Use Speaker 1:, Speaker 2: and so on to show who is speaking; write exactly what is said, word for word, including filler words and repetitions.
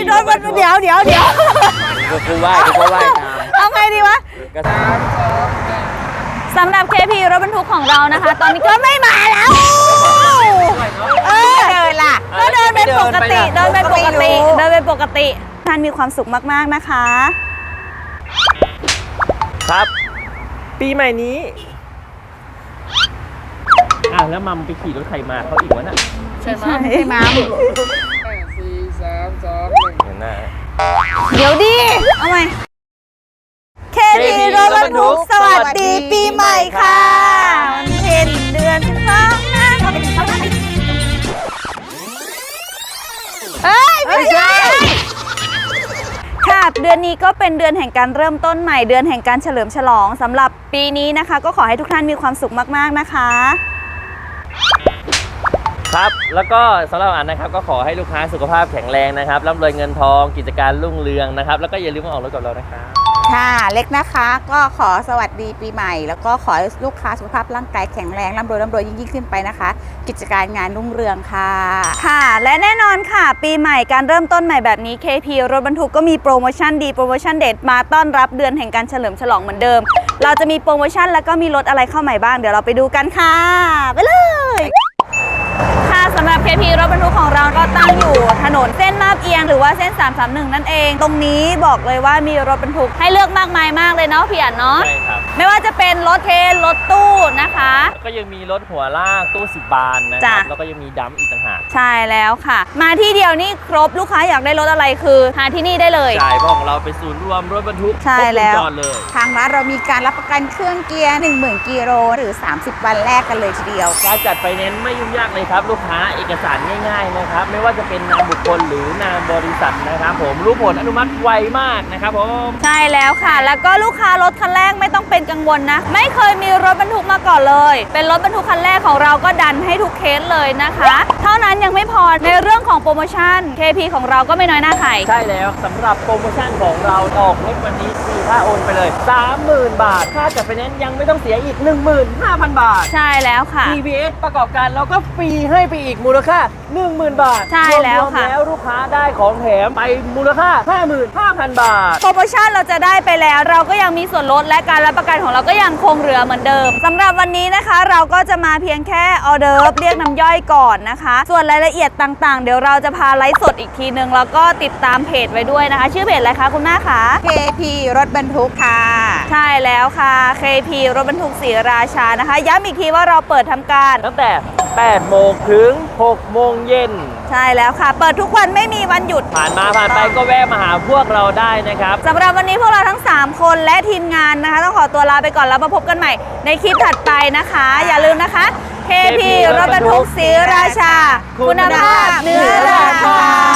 Speaker 1: รถบรรทุกเดี๋ยวเดี๋ยวเดี๋ยว
Speaker 2: กูไหว้กูไหว้ตาม
Speaker 1: เอาไงดีวะสำหรับ เค พี รถบรรทุกของเรานะคะ ตอนนี้ก็ไม่มาแล้วเออเดินล่ะก็เดินเป็นปกติเดินเป็นปกติเดินเป็นปกติท่านมีความสุขมากๆนะคะ
Speaker 2: ครับ ปีใหม่นี้อ้าวแล้วมัมไปขี่รถใครมาเขาอีกวะน่ะ
Speaker 1: ใช่ไหมใช่มัม
Speaker 3: สี่สามสองหนึ่ง
Speaker 2: เห็นหน้า
Speaker 1: เดี๋ยวดิเอาไหม เค พี รถบรรทุกสวัสดีปีใหม่ค่ะวันเพ็ญเดือนสิบสองนะเขาเป็นเขาเป็นเอ้ยไม่ใช่ค่ะเดือนนี้ก็เป็นเดือนแห่งการเริ่มต้นใหม่เดือนแห่งการเฉลิมฉลองสำหรับปีนี้นะคะก็ขอให้ทุกท่านมีความสุขมากๆนะคะ
Speaker 2: ครับแล้วก็สำหรับอันนะครับก็ขอให้ลูกค้าสุขภาพแข็งแรงนะครับร่ำรวยเงินทองกิจการรุ่งเรืองนะครับแล้วก็อย่าลืมมาออกรถกับเรานะครับ
Speaker 4: ค่ะเล็กนะคะก็ขอสวัสดีปีใหม่แล้วก็ขอให้ลูกค้าสุขภาพร่างกายแข็งแรงร่ำรวยร่ำรวยยิ่งยิ่งขึ้นไปนะคะกิจการงานรุ่งเรืองค่ะ
Speaker 1: ค่ะและแน่นอนค่ะปีใหม่การเริ่มต้นใหม่แบบนี้ เค พี รถบรรทุกก็มีโปรโมชั่นดีโปรโมชั่นเด็ดมาต้อนรับเดือนแห่งการเฉลิมฉลองเหมือนเดิมเราจะมีโปรโมชั่นแล้วก็มีรถอะไรเข้าใหม่บ้างเดี๋ยวเราไปดูกันค่ะไปเลยค่ะสำหรับ เค พี รถบรรทุกของเราก็ตั้งอยู่ถนนเส้นมาบเอียงหรือว่าเส้นสามสามหนึ่งนั่นเองตรงนี้บอกเลยว่ามีรถบรรทุกให้เลือกมากมายมากเลยเนาะพี่อั๋นเนาะ
Speaker 2: ใช่ครับ
Speaker 1: ไม่ว่าจะเป็นรถเทรนรถตู้นะคะ
Speaker 2: แล้วก็ยังมีรถหัวลากตู้สิบบานนะครับแล้วก็ยังมีดัมอีกต่างหาก
Speaker 1: ใช่แล้วค่ะมาที่เดียวนี่ครบลูกค้าอยากได้รถอะไรคือหาที่นี่ได้เลย
Speaker 2: ใช่เพราะของเราเป็นศูนย์รวมรถบรรทุก
Speaker 1: ใช่แล้ว
Speaker 2: ครบวงจรเลย
Speaker 4: ทางร้านเรามีการรับประกันเครื่องเกียร์ หนึ่งหมื่น กิโลหรือสามสิบวันแรกกันเลยทีเดียว
Speaker 2: การจัดไฟแนนซ์ไม่ยุ่งยากเลยครับลูกค้าเอกสารง่ายๆนะครับไม่ว่าจะเป็นนามบุคคลหรือนามบริษัทนะครับผมรู้ผลอนุมัติไวมากนะครับผม
Speaker 1: ใช่แล้วค่ะแล้วก็ลูกค้ารถคันแรกไม่ต้องเป็นกังวลนะไม่เคยมีรถบรรทุกมาก่อนเลยเป็นรถบรรทุกคันแรกของเราก็ดันให้ทุกเคสเลยนะคะเท่านั้นยังไม่พอในเรื่องของโปรโมชั่น เค พี ของเราก็ไม่น้อยหน้าใคร
Speaker 2: ใช่แล้วสำหรับโปรโมชั่นของเราออกรถวันนี้ฟรีค่าโอนไปเลย สามหมื่น บาทค่าจัดไฟแนนซ์ยังไม่ต้องเสียอีก หนึ่งหมื่นห้าพัน บาท
Speaker 1: ใช่แล้วค่ะ
Speaker 2: ที บี เอส ประกอบการเราก็ฟรีให้ไปอีกมูลค่า หนึ่งหมื่น บาท
Speaker 1: ใช่แล้วค่ะ
Speaker 2: แล้วลูกค้าได้ของแถมไปมูลค่า ห้าหมื่นห้าพัน บาท
Speaker 1: โปรโมชั่นเราจะได้ไปแล้วเราก็ยังมีส่วนลดและการรับประกันของเราก็ยังคงเหลือเหมือนเดิมสำหรับวันนี้นะคะเราก็จะมาเพียงแค่ออเดิร์ฟเรียกน้ำย่อยก่อนนะคะส่วนรายละเอียดต่างๆเดี๋ยวเราจะพาไลฟ์สดอีกทีนึงแล้วก็ติดตามเพจไว้ด้วยนะคะชื่อเพจอะไรคะคุณแม่คะ
Speaker 4: เค พี รถบรรทุกค่ะ
Speaker 1: ใช่แล้วค่ะ เค พี รถบรรทุกศรีราชานะคะย้ำอีกทีว่าเราเปิดทำการ
Speaker 2: ตั้งแต่แปดโมงถึงหกโมงเย็น
Speaker 1: ใช่แล้วค่ะเปิดทุกวันไม่มีวันหยุด
Speaker 2: ผ่านมาผ่านไปก็แวะมาหาพวกเราได้นะครับ
Speaker 1: สำหรับวันนี้พวกเราทั้งสามคนและทีมงานนะคะต้องขอตัวลาไปก่อนแล้วมาพบกันใหม่ในคลิปถัดไปนะคะอย่าลืมนะคะ เค พี รถบรรทุกศรีราชาคุณภาพเหนือราคา